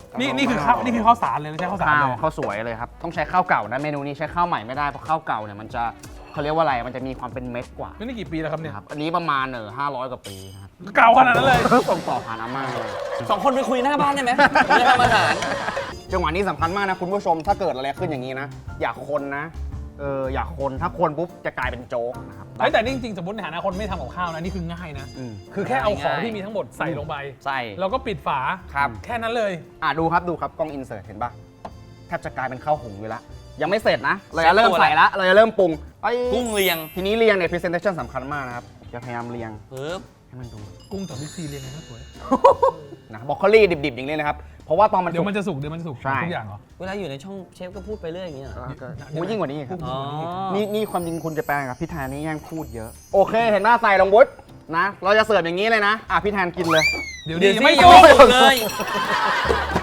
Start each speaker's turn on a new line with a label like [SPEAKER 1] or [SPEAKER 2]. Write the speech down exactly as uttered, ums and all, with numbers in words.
[SPEAKER 1] นี่นี่คือข้าวนี่คือข้าวสารเลยไม่ใช่ข้าวสาร
[SPEAKER 2] ข้าว
[SPEAKER 1] เลย
[SPEAKER 2] ข้าวสวยเลยครับต้องใช้ข้าวเก่านะเมนูนี้ใช้ข้าวใหม่ไม่ได้เพราะข้าวเก่าเนี่ยมันจะเขาเรียกว่าอะไรมันจะมีความเป็นเม็ดกว่า
[SPEAKER 1] นี่กี่ปีแล้วครับเนี่ย
[SPEAKER 2] นะครับอันนี้ประมาณเออห้าร้อยกว่าปีนะครับ
[SPEAKER 1] เก่าขนาดนั้นเลย
[SPEAKER 2] ส่งต่อผ่านอาม่าเลย
[SPEAKER 3] สองคนไปคุยหน้าบ้านได้ไหมผมจะทำอาหาร
[SPEAKER 2] จังหวะนี้สำคัญมากนะคุณผู้ชมถ้าเกิดอะไรขึ้นอย่างนี้นะอย่าคนนะเอออย่าคนถ้าคนปุ๊บจะกลายเป็นโจ๊กนะครับ
[SPEAKER 1] เฮ้ยแต่นี่จริงๆสมมติในฐานะคนไม่ทำกับข้าวนะนี่คือง่ายนะ
[SPEAKER 2] อืม
[SPEAKER 1] คือแค่เอาของ
[SPEAKER 3] ง่ายๆ
[SPEAKER 1] ที่มีทั้งหมดใส่ลงไป
[SPEAKER 3] ใส่
[SPEAKER 1] แล้วก็ปิดฝา
[SPEAKER 2] ครับ
[SPEAKER 1] แค่นั้นเลย
[SPEAKER 2] อ่ะดูครับดูครับกล้องอินเสิร์ตเห็นปะแทบจะกลายเป็นข้าวหุงอยู่แล้วยังไม่เสร็จนะเราจะเริ่มใส่ละเราจะเริ่มปรุงไอ้
[SPEAKER 3] กุ้งเรียง
[SPEAKER 2] ทีนี้เรียงเนี่ย presentation สำคัญมากนะครับจะพยายามเรียง
[SPEAKER 3] ปึ๊บ
[SPEAKER 2] ให้มันดู
[SPEAKER 1] กุ้งจากบิ๊กซีเรียงกันนะสวย
[SPEAKER 2] นะบรอกโคลี่ดิบๆอย่างนี้นะครับเพราะว่าตอนมัน
[SPEAKER 1] เดี๋ยวมันจะสุกเดี๋ยวมันจะสุก
[SPEAKER 2] ใช่
[SPEAKER 1] ทุกอย่างเหรอ
[SPEAKER 3] เวลาอยู่ในช่องเชฟก็พูดไปเรื่อยอย่างเงี้ยเหรอ
[SPEAKER 2] ก็ก็ยิ่งกว่านี้อีกครับ
[SPEAKER 3] อ๋อ
[SPEAKER 2] นี่นี่ความจริงคุณจะแปลงกับพี่แทนนี่แย่งพูดเยอะ โอเค เห็นหน้าใส่ลงวุฒินะ เราจะเสิร์ฟอย่างนี้เลยนะ อ่ะพี่แทนกินเลย
[SPEAKER 1] เดี๋ยว
[SPEAKER 3] เดี๋
[SPEAKER 1] ดี
[SPEAKER 3] ยว
[SPEAKER 1] ไม่
[SPEAKER 3] สิ
[SPEAKER 1] ยุ่ง
[SPEAKER 3] ไม่สุกเลย